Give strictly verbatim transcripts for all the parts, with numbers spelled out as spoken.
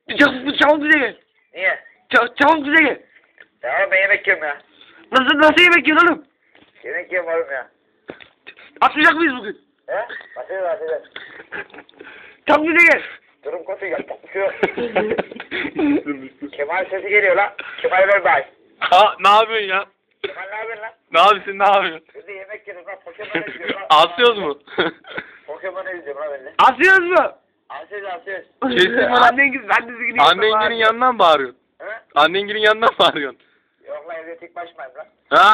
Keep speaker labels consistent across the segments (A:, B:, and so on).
A: Çabuk, çabuk bize gel.
B: Niye?
A: Çabuk, çabuk bize gel.
B: Tamam ben yemek yiyorum ya.
A: Nasıl, nasıl yemek yiyorsun oğlum?
B: Yemek yiyorum oğlum ya.
A: Atmayacak mıyız bugün?
B: He? Atacağız atacağız.
A: Çabuk bize gel.
B: Durum kötü yapacak bir şey yok. Kemal sesi geliyor lan. Kemal ver bay.
C: Ha, ne yapıyorsun ya?
B: Kemal ne yapıyorsun lan?
C: Ne yapıyorsun, ne yapıyorsun?
B: Biz de yemek yiyoruz lan. Pokemon'u izliyoruz lan.
C: Asıyoruz mu?
B: Pokemon'u izliyorum lan ben de.
A: Asıyoruz mu?
B: Asıyoruz asıyoruz.
C: Kesin mi lan?
A: Annen gibi, ben de zikini
C: Annengilin yanından mı bağırıyorsun?
B: He?
C: Annengilin yanından mı bağırıyorsun?
B: Yok lan evde tek başımayım lan.
C: Ha?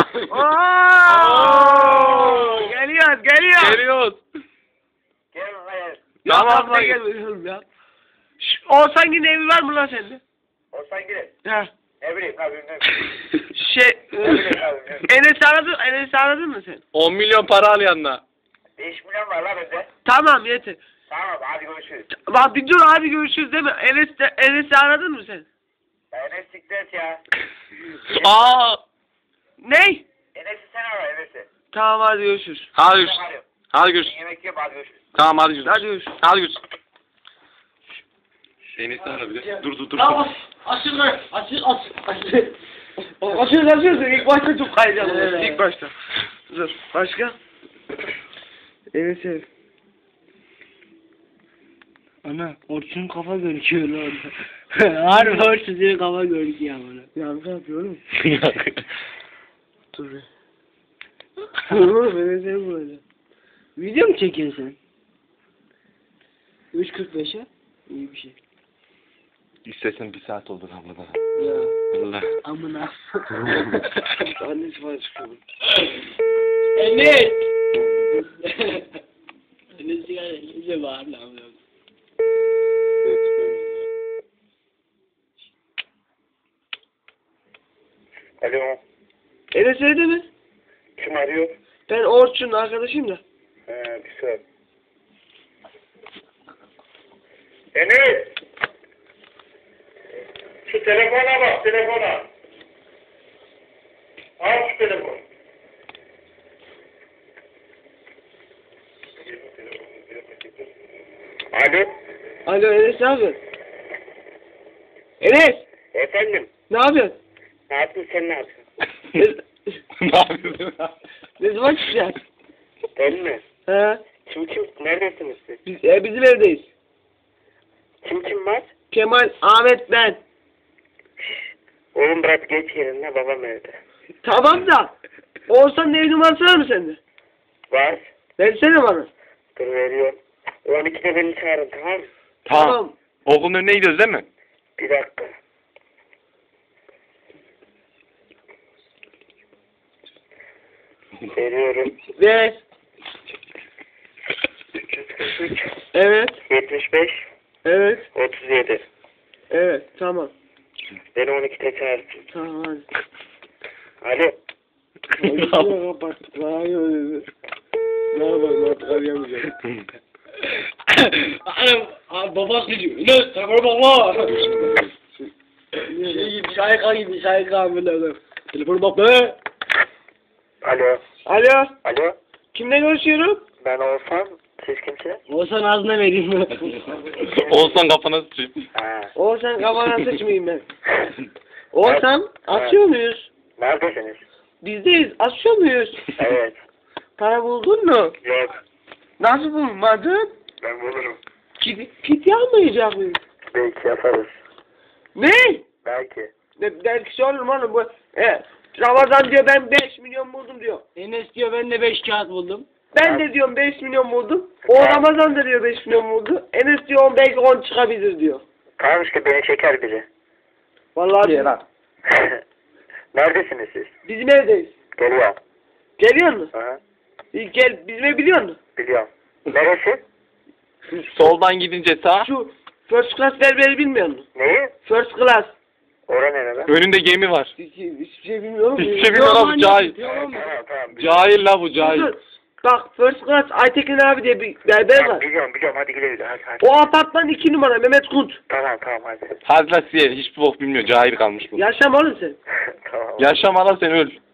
A: Ooo! Geliyoruz, geliyoruz.
C: Geliyoruz.
B: Gelin lan gelin.
C: Tamam
A: Tamam
C: lan.
A: da gelmiyorum ya. Şş, Oğuzhan gibi evi var mı lan sende?
B: Olsan girin.
A: Ha.
B: Ne bileyim lan bilmiyorum.
A: Şey, Enes'i aradın, Enes'i aradın mı sen?
C: on milyon para al yanına.
B: beş milyon var lan bende.
A: Tamam yeter.
B: Tamam hadi görüşürüz.
A: Bak bir dur abi görüşürüz değil mi? Enes de, Enes'i aradın mı sen?
B: Enes siklet ya.
C: Aa!
A: Ney?
B: Enes'i sen ara Enes'i.
A: Tamam hadi görüşürüz.
C: Hadi
B: Ben
C: görüşürüz.
B: arıyorum.
C: Hadi görüşürüz.
B: Yemek yiyorum hadi görüşürüz.
C: Tamam hadi görüşürüz.
A: Hadi görüşürüz.
C: Hadi görüşürüz. Enes'i ara bir de. Dur dur dur.
D: Tamam, açın lan, açın, aç, açın.
A: Açıyoruz açıyoruz. İlk başta çok kayacağım.
D: Evet.
A: İlk başta. Dur. Başka? Enes'i.
D: Ana, Orçun'un kafa gözüküyor lan orada. Harbi Orçun'un kafa gözüküyor bana.
A: Yanlış yapıyor oğlum. Dur. Dur oğlum Enes'i böyle.
D: Video mu çekiyorsun sen? üç kırk beşe? İyi bir şey.
C: İstesen bir saat olur abla.
D: Ya,
C: Valla.
D: amına.
A: Annesi falan çıkıyor.
D: Enes! Enes sigara iyice bağır lan.
B: Alo.
A: Enes evde mi?
B: Kim arıyor?
A: Ben Orçun'un arkadaşıyım da.
B: He bir saat. Enes! Şu telefona bak telefona. Al şu telefonu. Alo.
A: Alo Enes ne yapıyorsun? Enes!
B: Efendim.
A: Ne yapıyorsun?
B: Ne yaptın sen ne yaptın?
A: ne,
C: Ne yapıyorsun?
A: ne zaman çıkacağız?
B: Ben mi?
A: He?
B: Kim kim? Neredesiniz siz?
A: Biz, e, bizim evdeyiz.
B: Kim kim var?
A: Kemal, Ahmet, ben.
B: Oğlum bırak geç yerine babam evde.
A: Tamam da. Oğuzhan'ın ev numarası var mı sende?
B: Var.
A: Versene bana.
B: Dur veriyorum. on ikide beni çağırın tamam mı?
C: Tamam. Okulun önüne gidiyoruz değil mi?
B: Bir dakika. Veriyorum.
A: Ver.
B: üç yüz kırk üç,
A: Evet.
B: yetmiş beş,
A: Evet.
B: otuz yedi.
A: Evet. Tamam.
B: Beni on ikide çağırsın.
A: Tamam hadi.
B: Alo.
A: Şuraya kapattık. Bana öyle. Ne yapalım artık arayamayacağım.
D: Anam, abi babası diyor. Enes, sakın baba. Şey gibi, şayka gibi, şayka amına. Telefonu bak be.
B: Alo.
A: Alo.
B: Alo.
A: Kimle görüşüyorum?
B: Ben Oğuzhan. Siz kimsiniz?
D: Olsan ağzına vereyim mi?
C: Olsan kafana sıçayım.
B: Ha.
A: Oğuzhan kafana sıçmayayım ben. Oğuzhan açıyor muyuz?
B: Neredesiniz?
A: Bizdeyiz. Açıyor muyuz?
B: Evet.
A: Para buldun mu?
B: Yok.
A: Nasıl bulmadın?
B: Ben bulurum.
A: Kit, kit almayacak mıyız?
B: Belki yaparız.
A: Ne?
B: Belki.
A: Ne belki şey olur mu oğlum bu? E, Ramazan diyor ben beş milyon buldum diyor.
D: Enes diyor ben de beş kağıt buldum.
A: Ben de diyorum beş milyon buldum. O Ramazan da diyor beş milyon buldu. Enes diyor on belki on çıkabilir diyor.
B: Tamam işte beni çeker biri.
A: Vallahi biz-
B: Neredesiniz siz?
A: bizim evdeyiz.
B: Geliyorum.
A: Geliyor musun?
B: Aha.
A: İyi, gel bizim ev biliyor musun?
B: Biliyorum. Neresi?
C: Soldan gidince sağ.
A: Şu first class berberi bilmiyor musun?
B: Neyi?
A: First class.
B: Ora nerede?
C: Önünde gemi var.
A: Hiç, hiçbir şey bilmiyorum.
C: Hiçbir şey bilmiyor lan bu cahil.
B: Tamam tamam.
C: Cahil la bu cahil.
A: Dur, bak first class Aytekin abi diye bir berber
B: Tamam,
A: var.
B: biliyorum biliyorum hadi gidelim hadi hadi.
A: O apartman iki numara Mehmet Kunt.
B: Tamam tamam hadi.
C: Hadi la siye hiçbir bok bilmiyor. Cahil kalmış bu.
A: Yaşam oğlum sen.
B: Tamam.
C: Yaşama la sen öl.